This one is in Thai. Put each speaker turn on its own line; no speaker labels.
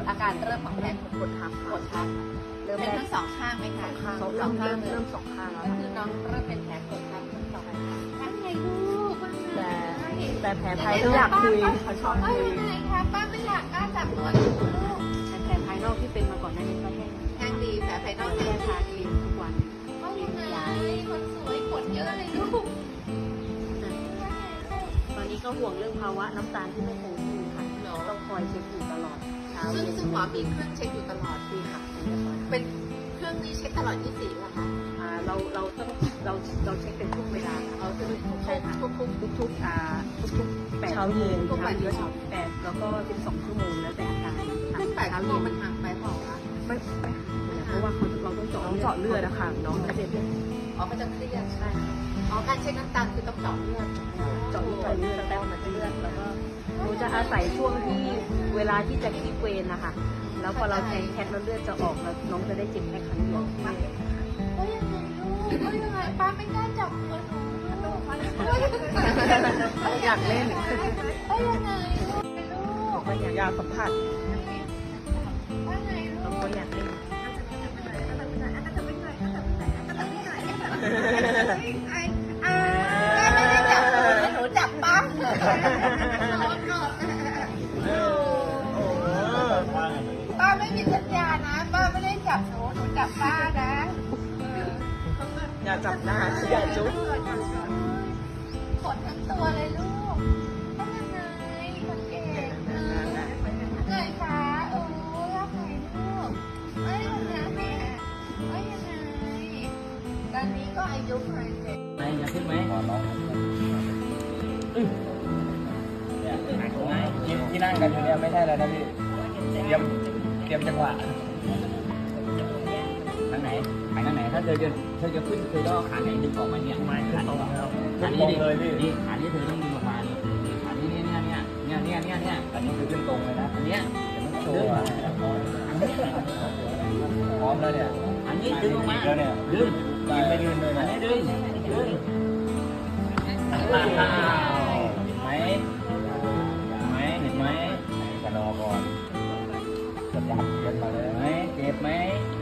อาการเริ่มของแผลกดทับเป็นทั้งสองข้างไหมคะ
สองข้างเริ่มสองข้างแล้ว
ก็คือน้องเริ่มเป็นแผลกดทับทั้งสองข้างทั้งไงลูก
แต่แผลภายนอกอยากคุยเขาชอบคุย
ยังไงคะป้าไม่อยากกล้าจับตัวลูก
แต่แผลภายนอกที่เป็นมาก่อนหน้านี้ก็แห้ง
ดีแผลภายนอก
แค่ทาครีมทุกวัน
ก็ยังไงคนสวยขนเยอะเลยลูก
ตอนนี้ก็ห่วงเรื่องภาวะน้ำตาลที่ไม่คงที่ค่ะต้องคอยเช็คอยู่ตลอดเช้า
ซึ่งหมอมีเครื่องเช็คอยู่ตลอด
ดีค่ะ
เป็นเครื่องนี้เช็คตลอด24เหรอคะ
เราต้องเราเช็คเป็นทุกเวลาค่ะ
เอาคือ
ใช่ค่ะทุก8เช้าเย็น8แล้วก็12ชั่วโมงแล้วแต่อาการ
ขึ้น8ชั่วโมงมันห่างไปเปล่าคะ
ไม่เพราะว่าเราต้องเจาะเลือดนะคะน้องจะเจ็บ
อ๋อเขาจะเครียดใช่อ๋อการเช็คน้ำตาลคือต้องเจาะเลือด
เจาะเลือดแล้วมันจะเลือดแล้วก็หนูจะอาศัยช่วงที่เวลาที่จะคิดเวรนะคะแล้วพอเราแทงแคทแล้วเลือดจะออกแล้วน้องจะได้เจ็บแค่ครั้งเดียว
ก็ยังไงป้าไม่กล้าจับตัวหนูลูก
อยากเล่น
ก็ยังไงลูก
ก็อยากสัมผัส
ว่าไงลู
น้อง
ก
ก็อยากเล่น
ไม่ได้จับหนูจับป้าป้าไม่มีสัญญานะป้าไม่ได้จับหนูจับป้านะ
อย่าจับหน้าอย่าจุ๊บ
ขนทั้งตัวเลยลูกทำยังไงคนเก่งไงคะรักไหนลูกไม่ยังไงไม่ยังไงตอนนี้ก็อายุเท่าไหร่
ไหนอยากขึ้นไหมเนี่ยที่นั่งกันอยู่เนี่ยไม่ใช่แล้วนะพี่เตรียมจังหวะทางไหนไปทางไหนถ้าเธอจะขึ้นเธอต้องขาไหนดึงออกมาเนี่ยไม่ขึ้นตรงแล้วขานี้เลยพี่นี่ขานี้เธอต้องดึงออกมานี่ขานี้เนี่ยอันนี้คือขึ้นตรงเลยนะอันเนี้ยจะไม่โชว์พร้อมแล้วเนี่ยอันนี้ดึงออกมาแล้วเนี่ยดึงไม่ดึงเลยนะดึงเห็นไหมกระดอก่อนกดยับเย็นมาเลยเจ็บไหม